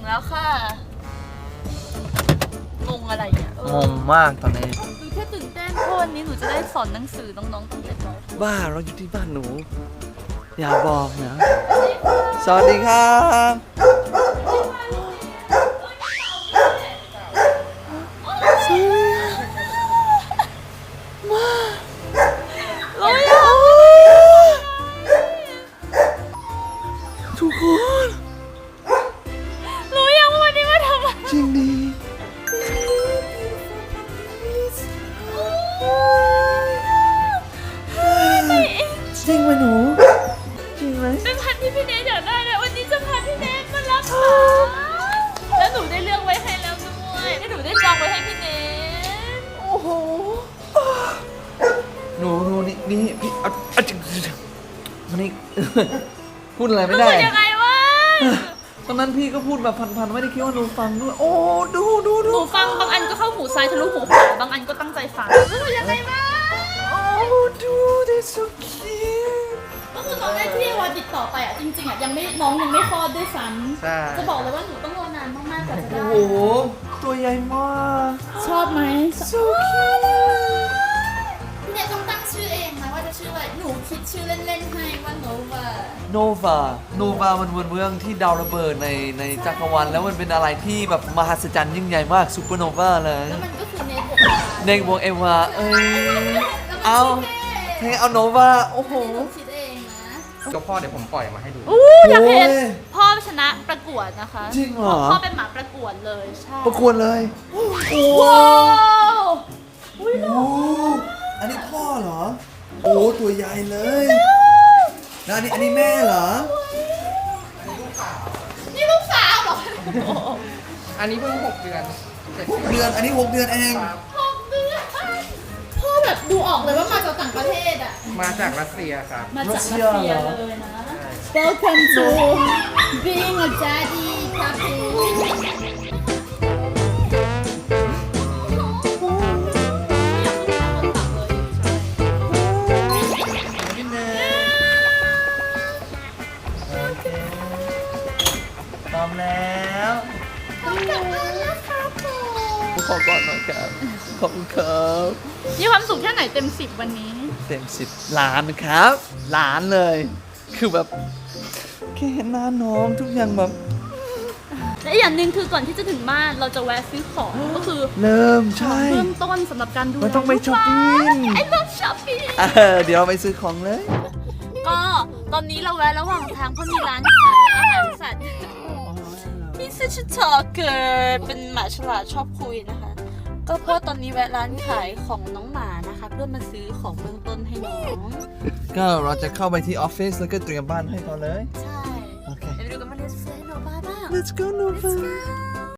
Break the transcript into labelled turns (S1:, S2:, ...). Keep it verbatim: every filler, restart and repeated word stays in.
S1: แล้วค่ะงงอะไรเนี่ย
S2: งงมากตอนนี้
S1: ดูแค่ตื่นเต้นเพราะวันนี้หนูจะได้สอนหนังสือน้องๆตั้งแต่ตอน
S2: บ้าเราอยู่ที่บ้านหนูอย่าบอกนะสวัสดีครับทุกคน
S1: รู้ยังว่าวันนี้มาทำอะไร
S2: จริงดิจริงไหมหนูจริงไหม
S1: เป็นพันที่พี่เนทอยากได้เลยวันนี้จะพาพี่เนทมารับหาแล้วหนูได้เลือกไว้ให้แล้วด้วยแล้วหนูได้จองไว้ให้พี่เนท
S2: โอ้โหหนูหนูนี่นี่พี่เอาเอาจริงมันนี่พูดอะไรไม่ได้
S1: พูดยังไงวะ
S2: ตอนนั้นพี่ก็พูดแบบพันๆไม่ได้คิดว่าหนูฟังด้วยโอ้ดูดูดู
S1: หนูฟังบางอันก็เข้าหูซ้ายทะลุหูขวาบางอันก็ตั้งใจฟังพูดยังไงวะ
S2: โอ้ดู that's so cute
S1: ก็คือตอนแรกที่วาติดต่อไปอ่ะจริงๆอ่ะยังไม่น้องยังไม่คลอดด้วยซ้ำจะบอกเลยว่าหนูต้องรอนานมากๆกว่าจะได้
S2: โอ้โหตัวใหญ่มาก
S1: ชอบไหม
S2: so cute
S1: พี่เนทต้องตั้งชื่อเองนะว่าจะชื่ออะไรหนูคิดชื่อเล่นๆให้ว่าโนวา
S2: โนวาโนวามันเป็นเมืองที่ดาวระเบิดในในจักรวาลแล้วมันเป็นอะไรที่แบบมหัศจรรย์ยิ่งใหญ่มากซูเปอร์โนวาเลย
S1: แล้วมันก็คือเนท
S2: เนทบวกเอวาเอ้ยเอาเทเอาโนวาโอ้โห
S1: คิดเองนะ
S3: ก็พ่อเดี๋ยวผมปล่อยมาให้ดู
S1: อู้อยากเห็นพ่อชนะประกวดนะคะ
S2: จริงเหรอ
S1: พ่อเป็นหมาประกวดเลยใช่
S2: ประกวดเลย
S1: ว้าวอุ้ยหล่อ
S2: อันนี้พ่อเหรอโอ้ตัวใหญ่เลยแล้วอันนี้อันนี้แม่เหรอ
S1: นี่ลูกสาวเหรอ
S3: อันนี้เพิ่งหกเดือน
S2: หกเดือนอันนี้หกเดือนเอง
S1: หกเดือนพ่อแบบดูออกเลยว่ามาจากต่างประเทศอ่ะ
S3: มาจากรัสเซียครับ
S1: มาจากรัสเซียเลยนะ Welcome to being a daddy puppy
S2: พร้อมแล้ว
S1: ขอบคุณนะครับ
S2: ขอก่อนหน่อยครับขอบคุณครับ
S1: มีความสุขแค่ไหนเต็มสิบวันนี้
S2: เต็มสิบล้านครับล้านเลยคือแบบแค่เห็นหน้าน้องทุกอย่างแบบ
S1: และอย่างหนึ่งคือก่อนที่จะถึงบ้านเราจะแวะซื้อของก็คือ
S2: เริ่มใช่
S1: เริ่มต้นสำหรับการดู
S2: มันต้องไปช้อปปิ้ง
S1: ไอ้ต้องช้อปปิ้ง
S2: เดี๋ยวเราไปซื้อของเลย
S1: ก็ตอนนี้เราแวะระหว่างทางเพราะมีร้านขายอาหารสัตว์ที่ชื่อชิทอเกิดเป็นหมาฉลาดชอบคุยนะคะก็เพราะตอนนี้แวะร้านขายของน้องหมานะคะเพื่อมาซื้อของเบื้องต้นให้น้อง
S2: ก็เราจะเข้าไปที่ออฟฟิศแล้วก็เตรียมบ้านให้เขาเลย
S1: ใช่
S2: โอเค
S1: เดี๋ยวไปดูกันว่าเลสเฟนโนบ้าบ้าง
S2: Let's go Nova